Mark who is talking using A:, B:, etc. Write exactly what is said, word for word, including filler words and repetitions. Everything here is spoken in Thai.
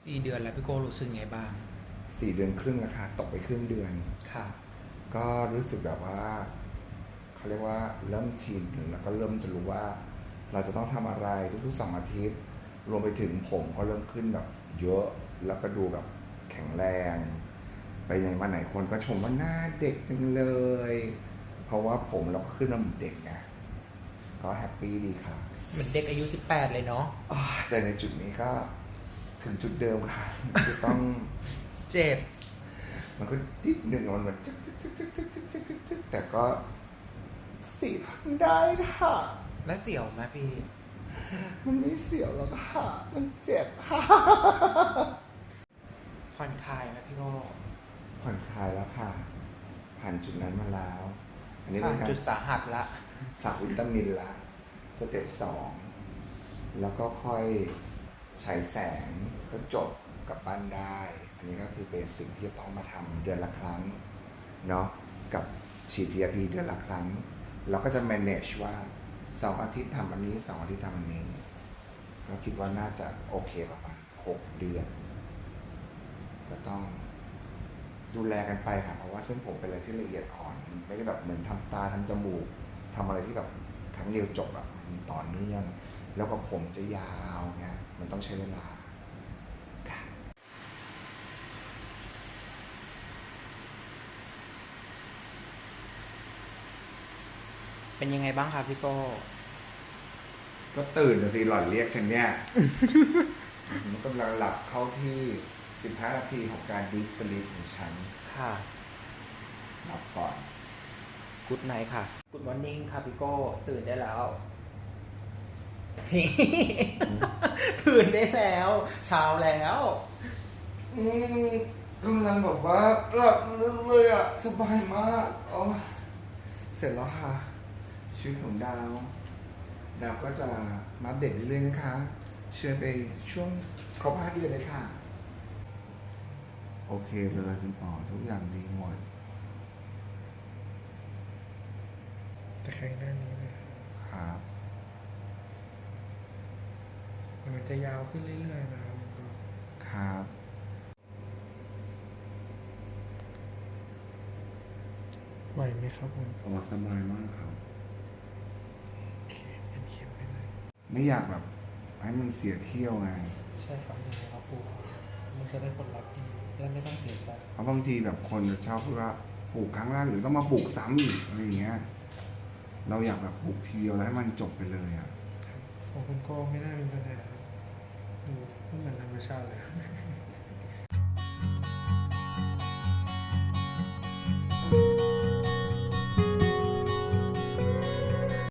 A: สี่เดือนแล้วพี่โก้รู้สึกไงบ้าง
B: สี่เดือนครึ่งแล้วค่ะตกไปครึ่งเดือน
A: ค่ะ
B: ก็รู้สึกแบบว่าเขาเรียกว่าเริ่มชินแล้วก็เริ่มจะรู้ว่าเราจะต้องทำอะไรทุกๆสองอาทิตย์รวมไปถึงผมก็เริ่มขึ้นแบบเยอะแล้วก็ดูแบบแข็งแรงไปไหนมาไหนคนก็ชมว่าหน้าเด็กจังเลยเพราะว่าผมเราก็ขึ้นมาเหมือนเด็กไงก็แฮปปี้ดีค่ะ
A: เหมือนเด็กอายุสิบแปดเลยเนาะ
B: อ่าแต่ในจุดนี้ก็ถึงจุดเดิมค่ะจะต้อง
A: เจ็บ
B: มันก็นิดหนึ่งมันแบบจึ๊กจึ๊กจึ๊กจึ๊กจึ๊กจึ๊กจึ๊กจึ๊กจึ๊กแต่ก็สีทนได้ค่ะ
A: และเสียวไหมพี่
B: มันไม่เสียวหรอกค่ะมันเจ็บค่ะ
A: ผ่อนคลายไหมพี่โก้
B: ผ่อนคลายแล้วค่ะผ่านจุดนั้นมาแล้วอันนี้
A: ผ่า
B: เป็น นการ
A: จุดสาหัสละ
B: ผลักวิตามินละสเต็ปสองแล้วก็ค่อยฉายแสงก็จบกลับบ้านได้ อันนี้ก็คือเบสิกที่จะต้องมาทำเดือนละครั้งเนาะกับฉีด พี อาร์ พี เดือนละครั้งเราก็จะ manage ว่าสองอาทิตย์ทำอันนี้สองอาทิตย์ทำอันนี้ก็คิดว่าน่าจะโอเคประมาณหกเดือนก็ต้องดูแลกันไปค่ะเพราะว่าเส้นผมเป็นอะไรที่ละเอียดอ่อนไม่ได้แบบเหมือนทำตาทำจมูกทำอะไรที่แบบครั้งเดียวจบแบบต่อเนื่องแล้วก็ผมจะยาวเงี้ยมันต้องใช้เวลา
A: เป็นยังไงบ้างครับพี่โก้
B: ก็ตื่นนะสิหล่อนเรียกฉันเนี่ย มันกำลังหลับเข้าที่สิบห้านาทีของการดีฟสลีปของฉัน
A: ค่ะ
B: หลับก่อน
A: กูดไนท์ค่ะกูดมอร์นิ่งค่ะพี่โก้ตื่นได้แล้ว ตื่นได้แล้ว เช้าแล้ว
B: อืมกำลังแบบว่าหลับลึกเลยอ่ะสบายมากอ๋อเสร็จแล้วค่ะชีวิตของดาว ดาวก็จะมาอัปเดตเรื่อยๆนะคะ เชิญไปช่วงครบห้าเดือนเลยค่ะ โอเคเลยคุณปอทุกอย่างดีหมด
C: แต่ข้างหน้านี้เลย
B: ครับ
C: มันจะยาวขึ้นเรื่อยๆนะครับมันก็
B: ครับ
C: ไหวไหมครับผม
B: อ๋อสบายมากครับ
C: โอเคเป็นเข็มไปเลย
B: ไม่อยากแบบให้มันเสียเที่ยวไง
C: ใช่ครับยังไงครับปูมันจะได้ผลลัพธ์ดีและไม่ต้องเสียใจ
B: เพราะบางทีแบบคนจะชอบพูดว่าปลูกครั้งแรกหรือต้องมาปลูกซ้ำอีกอะไรอย่างเงี้ย เราอยากแบบปลูกทีเดียวแล้วให้มันจบไปเลยอ่ะ
C: ของคุณโก้ไม่น่ามีปัญหาครับดูไม่เหมือนธรรมชาติเลย